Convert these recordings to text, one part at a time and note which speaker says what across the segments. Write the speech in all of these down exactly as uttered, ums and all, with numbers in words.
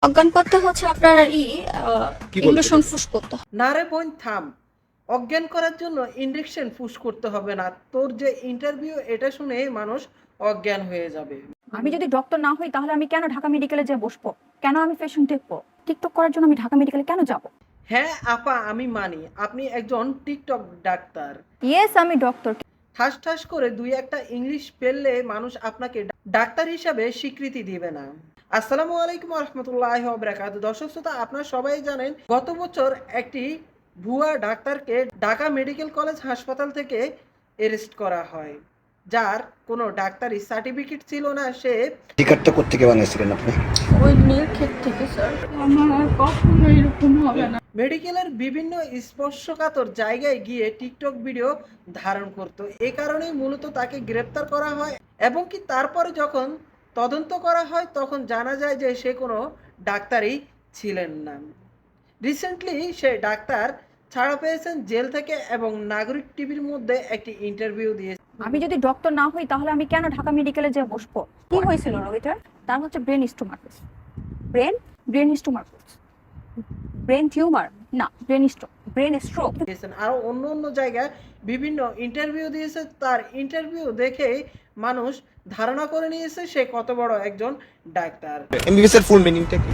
Speaker 1: অজ্ঞান করতে হচ্ছে আপনার ই
Speaker 2: কি বলতে
Speaker 1: ইনজেকশন পুশ করতে হয়।
Speaker 3: না রে বোন থাম। অজ্ঞান করার জন্য ইনজেকশন পুশ করতে হবে না। তোর যে ইন্টারভিউ এটা শুনে মানুষ অজ্ঞান হয়ে যাবে।
Speaker 4: আমি যদি ডক্টর না হই তাহলে আমি কেন ঢাকা মেডিকেলে যে বসবো? কেন আমি পেশেন্ট দেখবো? টিকটক করার জন্য আমি ঢাকা মেডিকেলে কেন যাব?
Speaker 3: হ্যাঁ আপা, আমি মানি আপনি একজন টিকটক ডাক্তার।
Speaker 4: ইয়েস, আমি ডক্টর।
Speaker 3: ঠাস ঠাস করে দুই একটা ইংলিশ পেললে মানুষ আপনাকে ডাক্তার হিসাবে স্বীকৃতি দিবে না। আসসালামু আলাইকুম রহমতুল্লাহি ওয়া বারাকাতুহু। দর্শক শ্রোতা, আপনারা সবাই জানেন গত বছর একটি ভুয়া ডাক্তারকে ঢাকা মেডিকেল কলেজ হাসপাতাল থেকে অ্যারেস্ট করা হয়, যার কোনো ডাক্তারি সার্টিফিকেট ছিল না। সে
Speaker 2: টিকারটা কোত্থেকে বানিয়েছিলেন আপনি?
Speaker 1: ওই নীলক্ষেত থেকে স্যার। আমার আর কখনো এরকম হবে না।
Speaker 3: মেডিকেলের বিভিন্ন স্পর্শকাতর জায়গায় গিয়ে টিকটক ভিডিও ধারণ করত। এই কারণেই মূলত তাকে গ্রেপ্তার করা হয় এবং কি তারপরে যখন তদন্ত করা হয় তখন জানা যায় যে সে কোনো ডাক্তারই ছিলেন না। রিসেন্টলি সে ডাক্তার ছাড়া পেয়েছেন জেল থেকে এবং নাগরিক টিভির মধ্যে একটি ইন্টারভিউ দিয়ে।
Speaker 4: আমি যদি ডক্টর না হই তাহলে আমি কেন ঢাকা মেডিকেলে যে বসবো? কি হয়েছিল রোগীটার? তার হচ্ছে ব্রেন স্টোমার্কোস। ব্রেন ব্রেন স্টোমার্কোস ব্রেন টিউমার না, ব্রেন স্ট্রোক, ব্রেন স্ট্রোক।
Speaker 3: দিয়েছেন আরো অন্য অন্য জায়গায় বিভিন্ন ইন্টারভিউ দিয়েছে। তার ইন্টারভিউ দেখে মানুষ ধারণা করে নিয়েছে সে কত বড় একজন ডাক্তার।
Speaker 2: এমবিবিএস এর ফুল মিনিংটা কি?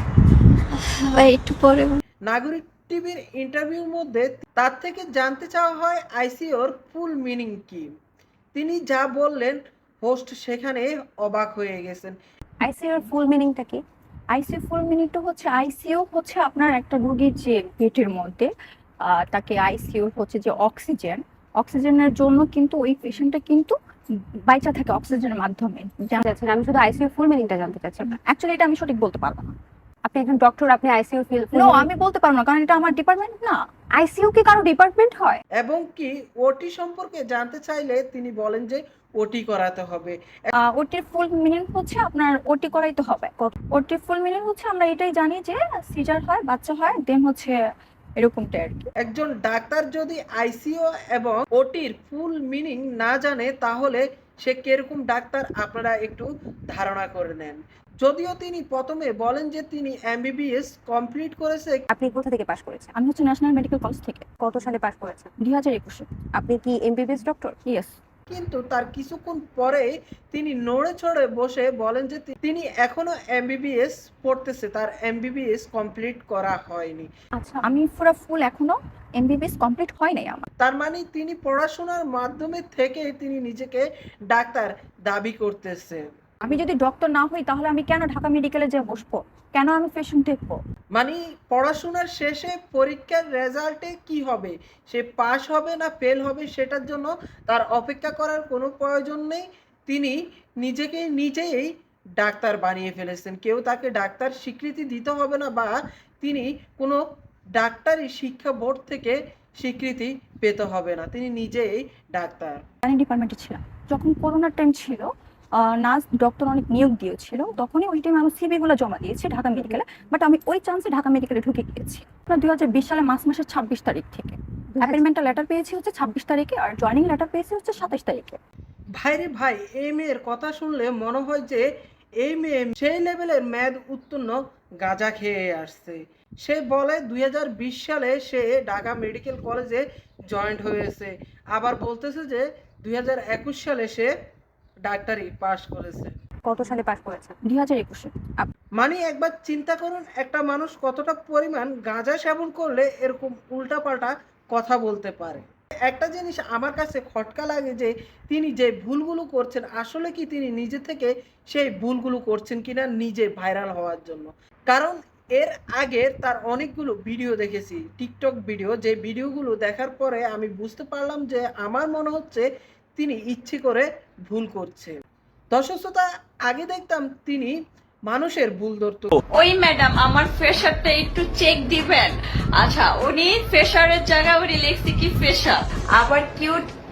Speaker 1: ভাই একটু পরে
Speaker 3: নাগরিক টিভির ইন্টারভিউর মধ্যে তার থেকে জানতে চাওয়া হয় আইসিইউর ফুল মিনিং কি। তিনি যা বললেন হোস্ট সেখানে অবাক হয়ে গেছেন।
Speaker 4: আইসিইউ এর ফুল মিনিংটা কি? আইসিইউ ফুল মিনিংটা হচ্ছে আইসিইউ হচ্ছে আপনার একটা রোগীর যে পেটের মধ্যে আহ, তাকে আইসিইউ হচ্ছে যে অক্সিজেন অক্সিজেনের জন্য কিন্তু ওই পেশেন্টটা কিন্তু বাইচা থাকে অক্সিজেনের মাধ্যমে।
Speaker 5: জানতে চাচ্ছেন? আমি শুধু আইসিইউ ফুল মিনিংটা জানতে চাচ্ছি।
Speaker 4: অ্যাকচুয়ালি এটা আমি সঠিক বলতে পারবো না।
Speaker 5: আপনি একজন ডক্টর, আপনি আইসিইউ ফিল
Speaker 4: নো, আমি বলতে পারবো না, কারণ এটা আমার ডিপার্টমেন্ট না।
Speaker 5: আইসিইউ কি কারো ডিপার্টমেন্ট হয়?
Speaker 3: এবং কি ওটি সম্পর্কে জানতে চাইলে তিনি বলেন যে ওটি করাতে হবে।
Speaker 4: ওটির ফুল মিনিং হচ্ছে আপনার ওটি করাইতে হবে। ওটির ফুল মিনিং হচ্ছে আমরা এটাই জানি যে সিজার হয়, বাচ্চা হয়, দেন হচ্ছে এরকমটা আর কি।
Speaker 3: একজন ডাক্তার যদি আইসিইউ এবং ওটির ফুল মিনিং না জানে তাহলে সে কিরকম ডাক্তার আপনারা একটু ধারণা করে নেন। যদিও তিনি প্রথমে বলেন যে তিনি এমবিবিএস কমপ্লিট করেছে।
Speaker 5: আপনি কোথা থেকে পাশ করেছেন?
Speaker 4: আমি হচ্ছে ন্যাশনাল মেডিকেল কলেজ থেকে
Speaker 5: কত সালে পাশ করেছেন?
Speaker 4: দুই হাজার একুশে।
Speaker 5: আপনি কি এমবিবিএস ডক্টর?
Speaker 4: ইয়েস।
Speaker 3: কিন্তু তার কিছুক্ষণ পরে তিনি নড়ে চড়ে বসে বলেন যে তি- তিনি এখনো এমবিবিএস পড়তেছে, তার এমবিবিএস কমপ্লিট করা হয়নি।
Speaker 4: আচ্ছা, আমি পুরো ফুল এখনো এমবিবিএস কমপ্লিট হয় নাই আমার।
Speaker 3: তার মানে তিনি পড়াশোনার মাধ্যমে থেকে তিনি নিজেকে ডাক্তার দাবি করতেছে।
Speaker 4: আমি যদি ডক্টর না হই তাহলে আমি কেন ঢাকা মেডিকেলে যে বসবো? কেন আমি পেশেন্ট দেখবো?
Speaker 3: মানে পড়াশোনার শেষে পরীক্ষার রেজাল্টে কি হবে, সে পাস হবে না ফেল হবে সেটার জন্য তার অপেক্ষা করার কোনো প্রয়োজন নেই। তিনি নিজেকে নিজেই ডাক্তার বানিয়ে ফেলেছেন। কেউ তাকে ডাক্তার স্বীকৃতি দিতে হবে না বা তিনি কোনো ডাক্তারি শিক্ষা বোর্ড থেকে স্বীকৃতি পেতে হবে না। তিনি নিজেই ডাক্তার।
Speaker 4: আমি ডিপার্টমেন্টে ছিলাম যখন করোনার টাইম ছিল। নার্স ডক্টর অনেক নিয়োগ দিয়েছিল, তখনই ওই টাইমে আমি সিভি গুলো জমা দিয়েছি ঢাকা মেডিকেলে। বাট আমি ওই চান্সে ঢাকা মেডিকেলে ঢুকে গিয়েছি দুই হাজার বিশ সালে মার্চ মাসের ছাব্বিশ তারিখ থেকে। অ্যাপয়েন্টমেন্টাল লেটার পেয়েছি হচ্ছে ছাব্বিশ তারিখে, আর জয়েনিং লেটার পেয়েছি হচ্ছে সাতাশ তারিখে।
Speaker 3: ভাইরে ভাই, এই মেয়ের কথা শুনলে মনে হয় যে এই মেয়ে সেই লেভেলের মেয়াদ উত্তীর্ণ গাঁজা খেয়ে আসছে। সে বলে দুই হাজার বিশ সালে সে ঢাকা মেডিকেল কলেজে জয়েন্ট হয়েছে, আবার বলতেছে যে দুই হাজার একুশ সালে সে ডাক্তারি পাশ করেছে।
Speaker 5: কত সালে পাশ করেছেন?
Speaker 4: দুই হাজার একুশে।
Speaker 3: মানে একবার চিন্তা করুন একটা মানুষ কতটা পরিমাণ গাঁজা সেবন করলে এরকম উল্টাপাল্টা কথা বলতে পারে। একটা জিনিস আমার কাছে খটকা লাগে যে তিনি যে ভুলগুলো করছেন আসলে কি তিনি নিজে থেকে সেই ভুলগুলো করছেন কিনা নিজে ভাইরাল হওয়ার জন্য। কারণ এর আগে তার অনেকগুলো ভিডিও দেখেছি, টিকটক ভিডিও, যে ভিডিওগুলো দেখার পরে আমি বুঝতে পারলাম যে আমার মনে হচ্ছে তিনি ইচ্ছে করে ভুল করছে। দর্শক শ্রোতা, আগে দেখতাম তিনি মানুষের ভুল ধরতো।
Speaker 6: ওই ম্যাডাম আমার প্রেশারটা একটু চেক দিবেন। আচ্ছা, উনি প্রেশারের জায়গায় উনি লিখছে কি প্রেশার, আবার কেউ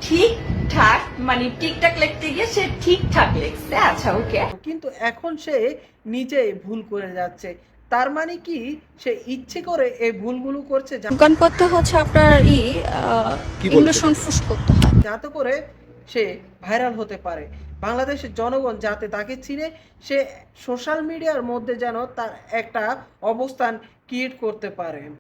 Speaker 6: ঠিকঠাক মানে ঠিকঠাক লিখতে গিয়ে সে ঠিকঠাক লিখছে। আচ্ছা ওকে,
Speaker 3: কিন্তু এখন সে নিজে ভুল করে যাচ্ছে। তার মানে কি সে ইচ্ছে করে এই ভুলগুলো করছে যা-
Speaker 1: অজ্ঞান করতে হচ্ছে আপনার ই
Speaker 2: কি বলতে
Speaker 1: ইনজেকশন পুশ করতে হয়।
Speaker 3: যাতে করে সে ভাইরাল হতে পারে। বাংলাদেশের জনগণ যাতে তাকে চিনে, সে সোশ্যাল মিডিয়ার মধ্যে যেন তার একটা অবস্থান ক্রিয়েট করতে পারে।